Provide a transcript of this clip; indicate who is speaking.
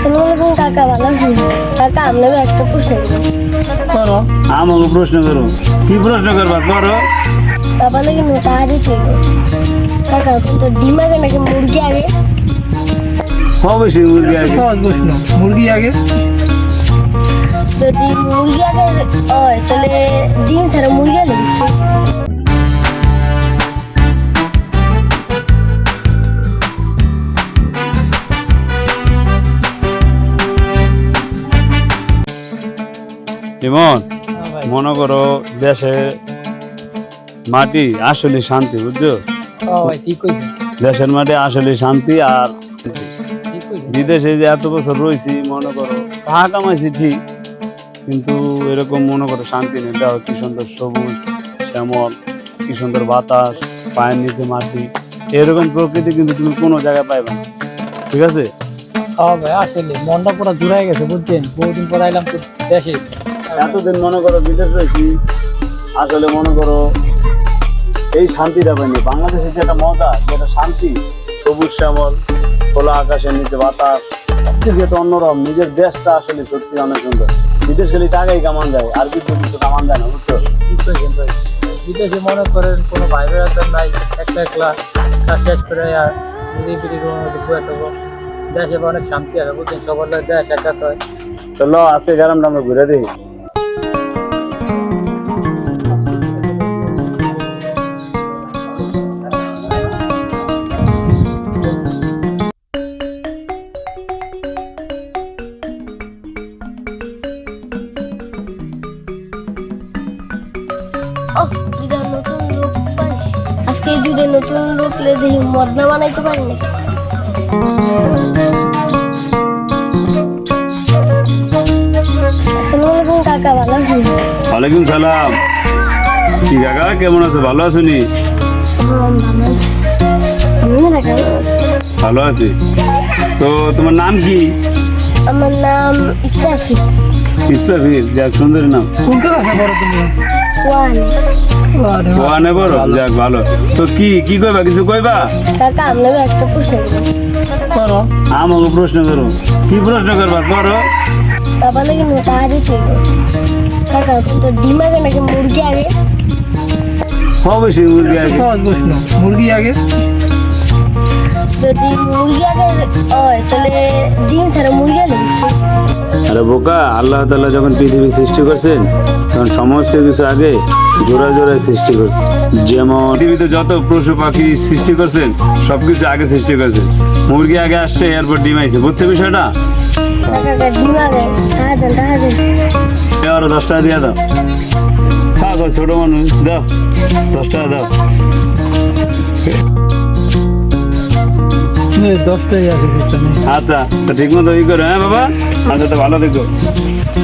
Speaker 1: আসসালামু আলাইকুম কাকা, ভালো আছেন? কাকা আপনাকে একটা প্রশ্ন
Speaker 2: করো। আমাকে প্রশ্ন করো, কি প্রশ্ন করবা করো।
Speaker 1: বাবা নাকি মোটা হাড়ি ছিল। কাকা তো ডিম আগে নাকি মুরগি আগে?
Speaker 2: অবশ্যই মুরগি আগে।
Speaker 3: সহজ প্রশ্ন, মুরগি আগে।
Speaker 1: যদি মুরগি আগে হয় তাহলে ডিম ছাড়া মুরগি আগে
Speaker 2: যেমন মনে করো দেশে মাটি আসলে শান্তি, বুঝছো?
Speaker 3: ভাই ঠিক কইছেন,
Speaker 2: দেশের মাটি আসলে শান্তি। আর
Speaker 3: ঠিক কইছেন।
Speaker 2: বিদেশে যে এত বছর রয়েছি, মনে করো টাকা কামাইছি ঠিক, কিন্তু এরকম মনে করো শান্তি নেই। দেখো কি সুন্দর সবুজ শ্যামল, কি সুন্দর বাতাস, পায়ের নিচে মাটি, এরকম প্রকৃতি কিন্তু তুমি কোনো জায়গায় পাইবে না। ঠিক আছে?
Speaker 3: ভাই আসলে মনটা পুরো জুড়াই গেছে, বুঝছেন? বহুদিন পর আইলাম তো দেশে।
Speaker 2: এতদিন মনে করো বিদেশ রয়েছি, আসলে মনে করো এই শান্তিটা পাইনি। বাংলাদেশের যেটা মজা, যেটা শান্তি, সবুজ শ্যামল, খোলা আকাশের নিচে বাতাস, সবকিছু একটা অন্যরকম। নিজের দেশটা আসলে সত্যি অনেক সুন্দর। বিদেশ গেলে টাকাই কামান যায়, আর কিছু কিছু কামান যায় না, বুঝছো?
Speaker 3: ঠিক কইছেন ভাই। বিদেশে মনে করেন কোনো ভাই বেড়াতে নাই, একলা একলা কাজ শেষ করে আর নিজে বিড়ি বয়ে থাকবো। দেশে অনেক শান্তি আছে, বুঝছেন? সবার লোক দেশ একাত্র হয়।
Speaker 2: চলো আজকে গ্রামটা আমরা ঘুরে দিই।
Speaker 1: ও দুইটা নতুন লোক পাইছি। আজকে এই দুইটা নতুন লোক লে দেখি মদনা বানাইতে পারি নাকি। আসসালামু আলাইকুম কাকা, ভালো আছেন?
Speaker 2: ওয়ালাইকুম সালাম। কি কাকা কেমন আছো? ভালো আছো নি? ভালো আছি। তো তোমার নাম কি?
Speaker 1: আমার নাম ইসরাফিল।
Speaker 2: ইসরাফিল, যাক সুন্দর নাম।
Speaker 3: কোনটা আছে বড় তুমি?
Speaker 1: ওয়ান।
Speaker 2: ওয়ানে বড়, যাক ভালো। তো কি কি কইবা, কিছু কইবা?
Speaker 1: কাকা আপনাকে একটা প্রশ্ন
Speaker 3: করো।
Speaker 2: আমাকে প্রশ্ন করো, কি প্রশ্ন করবা করো।
Speaker 1: বাবা নাকি মোটা হাড়ি ছিল। কাকা তো ডিম আগে নাকি মুরগি আগে?
Speaker 2: অবশ্যই মুরগি আগে।
Speaker 3: সহজ প্রশ্ন, মুরগি আগে।
Speaker 1: যদি মুরগি আগে হয় তাহলে ডিম ছাড়া মুরগি আগে
Speaker 2: আরে বোকা, আল্লাহ তাআলা যখন পৃথিবী সৃষ্টি করছেন তখন সমস্ত কিছু আগে জোড়া জোড়ায় সৃষ্টি করছেন। যেমন পৃথিবীতে যত পশু পাখি সৃষ্টি করছেন সবকিছু আগে সৃষ্টি করছেন। মুরগি আগে আসছে, এরপর ডিম আইছে, বুঝছো বিষয়টা?
Speaker 1: কাকা ডিম আগে টাকা দেন
Speaker 2: আরো 10 টাকা দিয়ে দাও। থাক, ওই ছোট মানুষ, দাও 10 টাকা দাও।
Speaker 3: 10টাই আছে পিছনে।
Speaker 2: আচ্ছা, তো ঠিক মতো ই করো, হ্যাঁ বাবা? আচ্ছা, তো ভালো দেখো।